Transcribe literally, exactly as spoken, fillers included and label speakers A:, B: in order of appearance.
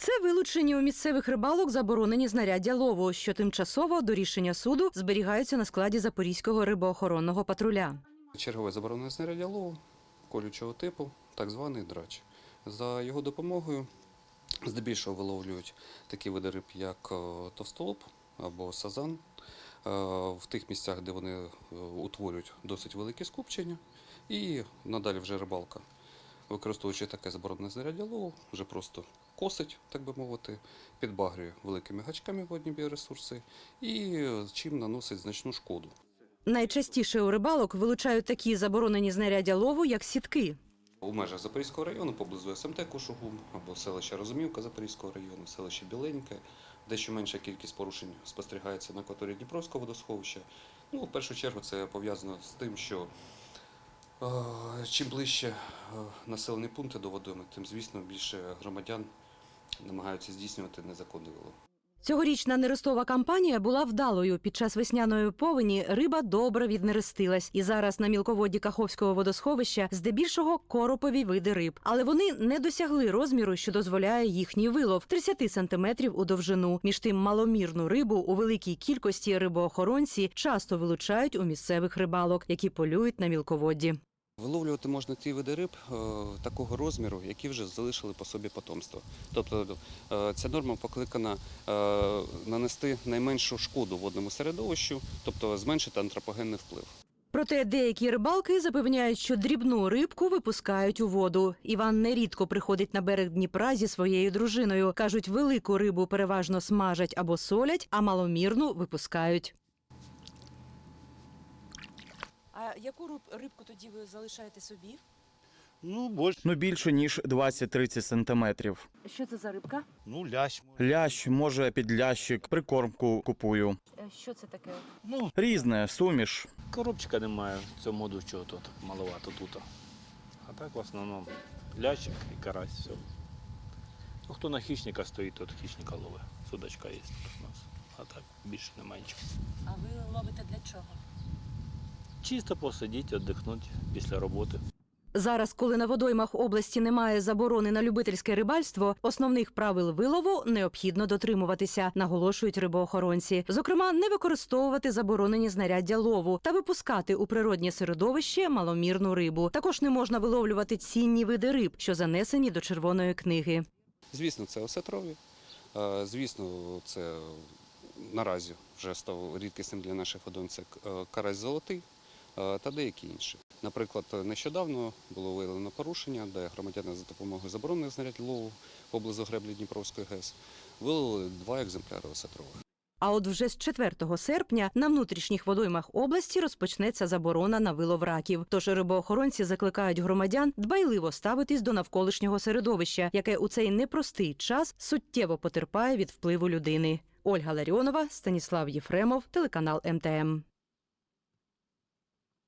A: Це вилучені у місцевих рибалок заборонені знаряддя лову, що тимчасово до рішення суду зберігаються на складі Запорізького рибоохоронного патруля.
B: Чергове заборонене знаряддя лову колючого типу, так званий драч. За його допомогою здебільшого виловлюють такі види риб, як товстолоб або сазан, в тих місцях, де вони утворюють досить великі скупчення. І надалі вже рибалка, використовуючи таке заборонене знаряддя лову, вже просто косить, так би мовити, підбагрює великими гачками водні біоресурси і чим наносить значну шкоду.
A: Найчастіше у рибалок вилучають такі заборонені знаряддя лову, як сітки.
B: У межах Запорізького району, поблизу ес ем те Кошугум, або селища Розумівка Запорізького району, селище Біленьке, дещо менша кількість порушень спостерігається на акваторії Дніпровського водосховища. Ну, в першу чергу це пов'язано з тим, що е, чим ближче е, населені пункти до водойми, тим, звісно, більше громадян намагаються здійснювати незаконний вилов.
A: Цьогорічна нерестова кампанія була вдалою. Під час весняної повені риба добре віднерестилась. І зараз на мілководді Каховського водосховища здебільшого коропові види риб. Але вони не досягли розміру, що дозволяє їхній вилов – тридцять сантиметрів у довжину. Між тим маломірну рибу у великій кількості рибоохоронці часто вилучають у місцевих рибалок, які полюють на мілководді.
B: Виловлювати можна ті види риб е, такого розміру, які вже залишили по собі потомство. Тобто е, ця норма покликана е, нанести найменшу шкоду водному середовищу, тобто зменшити антропогенний вплив.
A: Проте деякі рибалки запевняють, що дрібну рибку випускають у воду. Іван нерідко приходить на берег Дніпра зі своєю дружиною. Кажуть, велику рибу переважно смажать або солять, а маломірну випускають.
C: А яку рибку тоді ви залишаєте собі?
D: Ну, більше.
E: Ну, більше, ніж двадцять-тридцять сантиметрів.
C: Що це за рибка?
D: Ну, лящ.
E: Лящ, може, підлящик, прикормку купую.
C: Що це таке?
D: Ну,
E: Різне, суміш.
D: коробчика немає в цьому году, чого тут маловато тут. А так в основному лящик і карась, все. Ну, хто на хищника стоїть, тот хищника ловить. Судачка є тут у нас. А так більше немає нічого.
C: А ви ловите для чого?
D: Чисто посидіти, віддихнути після роботи.
A: Зараз, коли на водоймах області немає заборони на любительське рибальство, основних правил вилову необхідно дотримуватися, наголошують рибоохоронці. Зокрема, не використовувати заборонені знаряддя лову та випускати у природнє середовище маломірну рибу. Також не можна виловлювати цінні види риб, що занесені до Червоної книги.
B: Звісно, це осетрові. Е, Звісно, це наразі вже став рідкісним для наших водойм, це карась золотий та деякі інші. Наприклад, нещодавно було виявлено порушення, де громадяни за допомогою заборонених знарядь лову поблизу греблі Дніпровської ГЕС виловили два екземпляри осетрових.
A: А от вже з четвертого серпня на внутрішніх водоймах області розпочнеться заборона на вилов раків. Тож рибоохоронці закликають громадян дбайливо ставитись до навколишнього середовища, яке у цей непростий час суттєво потерпає від впливу людини. Ольга Ларіонова, Станіслав Єфремов, телеканал ем те ем.